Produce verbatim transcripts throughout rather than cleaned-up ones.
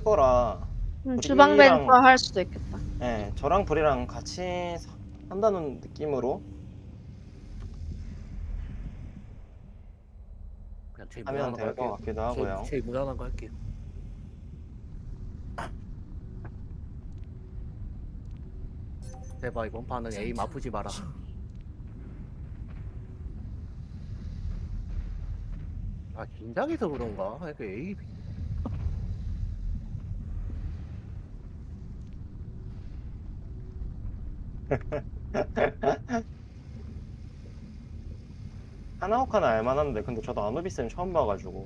쓸 거라. 음, 우리 주방 일이랑- 벤처 할 수도 있겠다. 예, 저랑 불이랑 같이 사- 한다는 느낌으로 그냥 제일 하면 무난한 거 될 것 할게요. 같기도 하고요. 제일, 제일 무난한 거 할게요. 대박 이번 판은 에임 아프지 마라. 아 긴장해서 그런가? 이렇게 에임 하나오카는 알만한데 근데 저도 아누비스는 처음 봐가지고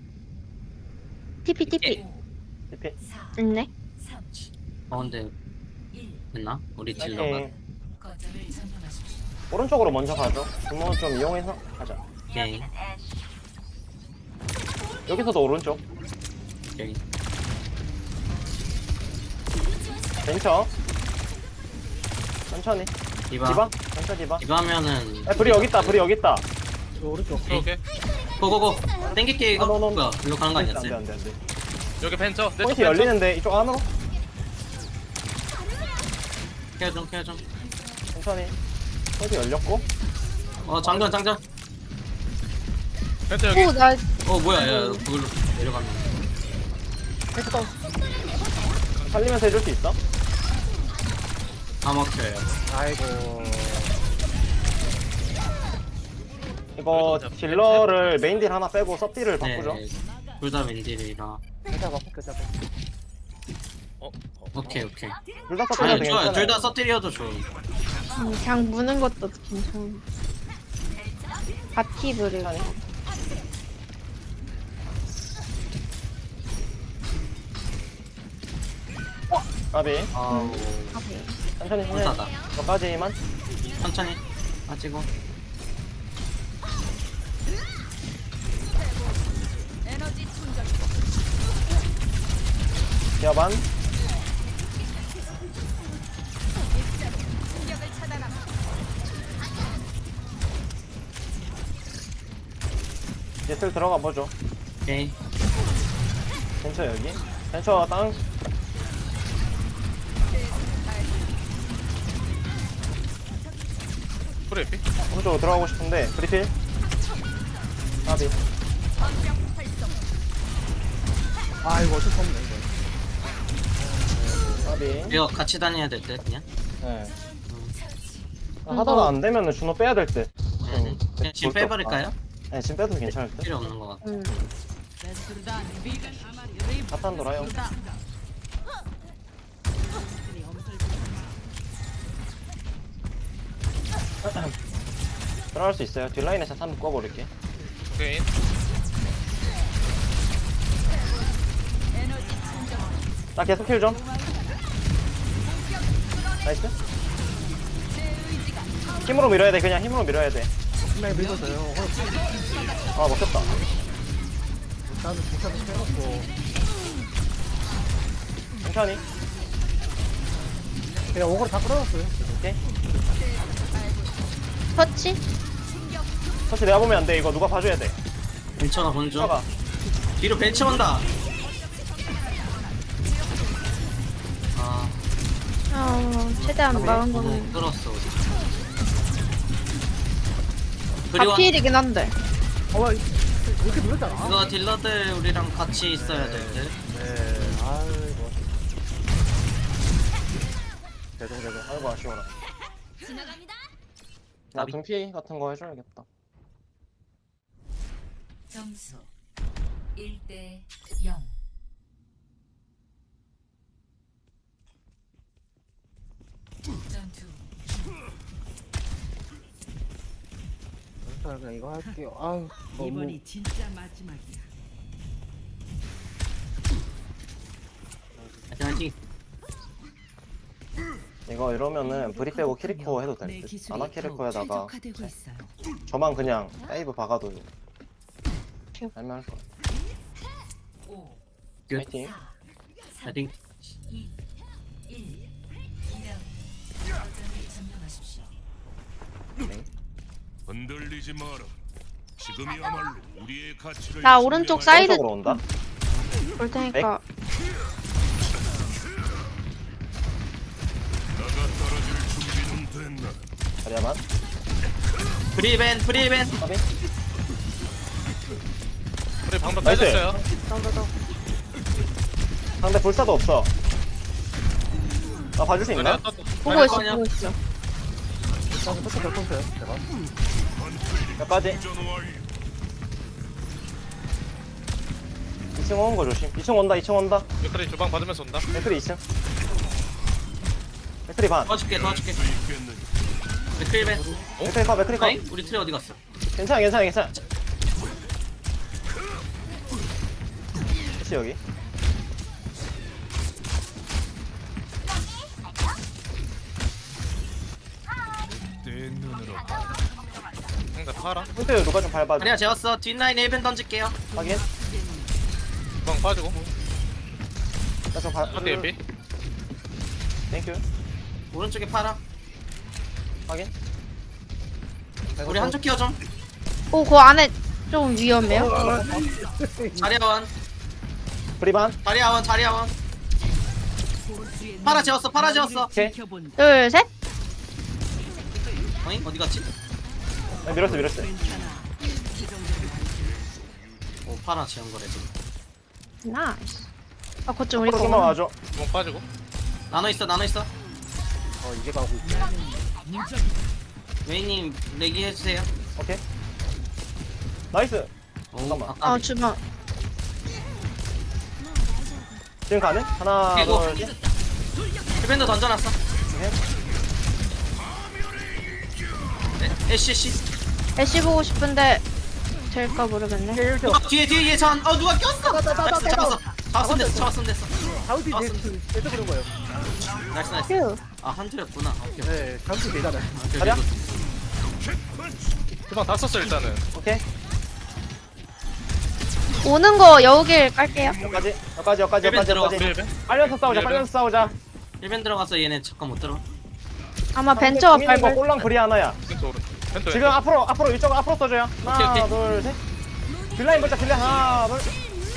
티피 티피. 티피 있네. 어 근데 됐나? 우리 딜러가 예. 오른쪽으로 먼저 가죠. 주문 좀 이용해서 가자. 오케이 여기서도 오른쪽 오케이 벤처 천천히 디바 디바 벤처 디바. 디바 하면은 야, 불이 여기 있다. 불이 여기 있다. 저 오른쪽 오케이. 고고고 땡길게 이거 아, 너, 너, 뭐야 일로 가는 거 안돼 아니었어요? 안돼 안돼. 여기 벤처. 내 쪽 포인트 벤처. 열리는데 이쪽 안으로 케어 좀 케어 좀어 천천히. 포인트 열렸고 장전 장전 벤처 여기. 오, 나 어 뭐야 야 그걸로 내려가면 펜스 다운. 살리면서 해줄 수 있어? 다 막혀요 아이고 이거 딜러를 메인 딜 하나 빼고 서딜을 바꾸죠. 둘다 윈딜이라 계좌 바꿔 계좌 바꿔. 어? 어? 오케이 오케이 둘 다 서딜 아니 되게 좋아요 괜찮아요. 둘 다 서딜이어도 좋아 음, 그냥 무는 것도 괜찮아. 바티브를. 까비 아우 하게. 천천히 천천히 불타다 저까지만. 천천히 빠지고 기어반 이제 슬 들어가 보죠. 오케이 벤처 여기 벤처 땅. 프레피? 오른쪽으로 들어가고 싶은데 브리필 까비. 아이고 어쩔 수 없네 이거. 까비. 이거 같이 다녀야 될 듯 그냥 네. 음. 아, 하다가 안 되면은 준호 빼야 될 듯. 네네 그냥 지금 빼버릴까요? 네, 지금 빼도 괜찮을 듯. 필요 없는 것 같아 음. 사탄 돌아요. 들어갈 수 있어요. 뒷라인에 사탄 묶어버릴게. 오케이. 나 계속 킬 좀. 나이스. 힘으로 밀어야 돼. 그냥 힘으로 밀어야 돼. 분명히 밀었어요. 어, 아, 먹혔다. 일단은 부차도 빼놓고 천천히. 그냥 오거를 다 끌어놨어요. 오케이. 터치? 사실 내가 보면 안 돼. 이거 누가 봐줘야 돼. 벤처가 본중 봐봐. 뒤로 벤처 온다 아 어, 최대한 막은 너무 거는. 끌었어 우리 그리고 바필이긴 한데. 어, 와, 이렇게 밀었잖아. 이거 딜러들 우리랑 같이 있어야 될 듯. 네, 아이고. 대동 대동. 아이고, 아쉬워라. 나 나비. 등피 같은 거 해줘야겠다. 점수 일 대 영. 전투 일단 그냥 이거 할게요. 아유, 너무. 이번이 진짜 마지막이야. 화이팅 화이팅. 이거 이러면은 브리 빼고 키리코 해도 내 될 듯. 기술이 아나 더욱 키리코에다가 최적화되고 있어요. 저만 그냥 다이브 박아도 할만할 거야. 오, 굿. 파이팅. 사, 화이팅. 이, 일. 이 명 거점을 점령하십시오. 흔들리지 마라. 지금이야말로 우리의 가치를 나 오른쪽 사이드 오른쪽으로 온다. 볼 테니까. 자리야만. 브리벤 브리벤. 까비. 우리 방금 나이스. 빼졌어요. 상대 불사도 없어. 나 봐줄 수 있나? 보고 있어 아니야. 보고 있어. 일단 끝에 결정서요. 제가. 몇 가지? 이 층 오는 거 조심. 이 층 온다, 이 층 온다. 맥크리 주방 받으면서 온다. 맥크리 이 층. 맥크리 반. 도와줄게 도와줄게. 맥크리벤. 맥크리 컷, 맥크리 컷. 아잉? 우리 트레 어디 갔어? 괜찮아, 괜찮아, 괜찮아. 혹시 여기? 상대 파라. 근데 누가 좀 밟아줘. 아니야 재웠어. 뒷라인 힐벤 던질게요. 확인. 주방 빠지고. 나좀 밟. 한대 예비. 땡큐. 오른쪽에 팔아. 확인. 우리 한쪽 키워 좀. 오, 그 안에 좀 위험해요. 자리아원. 브리반. 자리아원 자리아원. 팔아 재웠어 팔아 재웠어. 오케이. 지켜본다. 둘, 셋. 어잉? 어디 갔지? 아, 밀었어, 밀었어. 괜찮아. 이 정도면 오 팔아 재운 거래 지금. 나이스. 아, 거점 우리 앞으로 좀만 거. 와줘. 주방 빠지고. 나눠 있어 나눠 있어. 어 이게 가고 있어. 웨이님 내기 해주세요. 오케이. 나이스. 오 잠깐만. 아까 아, 주방. 지금 가는? 하나, 그리고 둘, 셋. 힐벤도 던져놨어. 네. 에, 애쉬 애쉬. 애쉬 보고 싶은데 될까 모르겠네. 누가 뒤에 뒤에 얘 전. 어 누가 꼈어. 나이스 잡았어. 잡았으면 됐어 잡았으면 됐어. 다운티 아, 뒤에 대저 그런 거예요. 나이스 나이스. 휴. 아 한줄였구나. 오케이. 네, 다운티 되잖아요. 오케이, 가자. 오케이. 주방 다 썼어 일단은. 오케이. 오는 거 여우길 깔게요. 여기까지, 여기까지, 여기까지, 힐벤 여기까지, 들어가. 여기까지. 힐벤. 빨려서 싸우자, 힐벤. 빨려서 싸우자. 힐벤 들어가서 얘네 잠깐 못 들어. 아마 벤처가 거 밟을. 꼴랑 그리 하나야. 왼쪽 오른. 펜토 지금 앞으로, 앞으로 이쪽 앞으로 써줘요. 하나, 오케이, 오케이. 둘, 셋. 딜라인 보자, 딜라인 하나, 둘.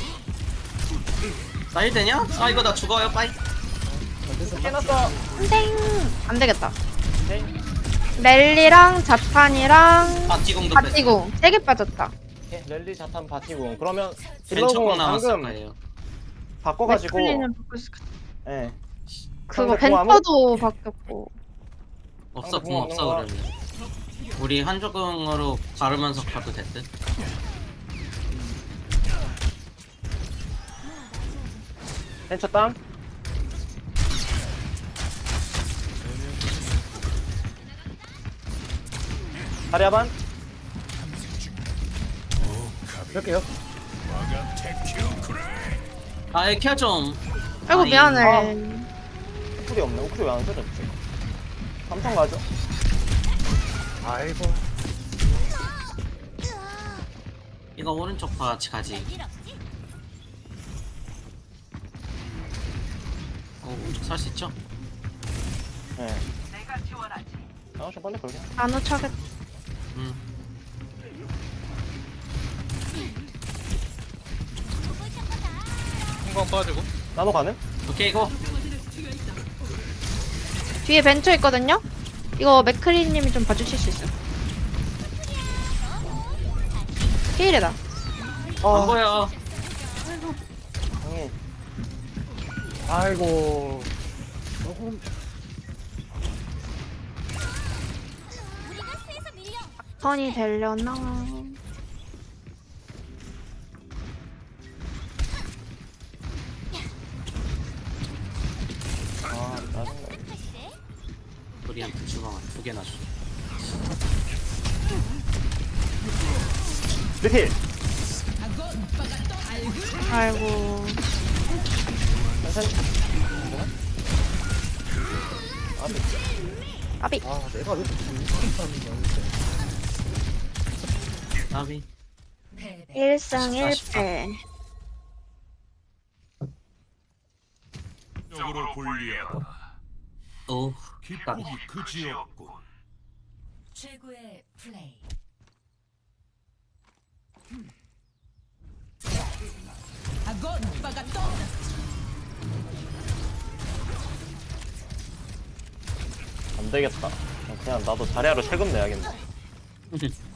나 힐 되냐? 아 이거 나 죽어요 빠이. 해놨어. 땡. 안 되겠다. 오케이. 랠리랑 자탄이랑 바티공도 뺐어. 바티공 세 개 빠졌다. 오케이. 랠리 자탄 바티공. 그러면 벤처공 딜러공은 남았을 방금 거예요. 바꿔가지고. 맥클리는 바꿀 수 있- 예. 그거 상대 공 아무- 벤처도 바뀌었고. 없어 아, 공 없어 그거 그러면. 우리 한조공으로 가르면서 가도 됐듯. 벤처 땅. 다리아반. 이렇게요. 아 케어 좀. 아이고 아니, 미안해. 우쿨이 없네. 우쿨이 왜 안 써졌지? 삼성 가죠. 아이고. 이거 오른쪽 같이 가지. 살 수 있죠? 예. 아, 저 빨리 걸게. 나노 차겠. 음. 한방 빠지고. 나노 가능? 오케이 고. 뒤에 벤처 있거든요. 이거 맥크리님이 좀 봐주실 수 있어요? 피일이다. 안 아, 보여. 형님. 아이고. 조금 턴이 되려나? 아, 짜증나. 우리한테 주방 두 개나 줘. 리필. 아이고. 천천히. 아, 아비. 아 내가 왜 이렇게 못하는 거야. 나비. 패배. 일승 일패. 적으로 불리하다. 오. 기폭이 그지없군. 최고의 플레이. 안 되겠다. 그냥 나도 자리하러 세금 내야겠네.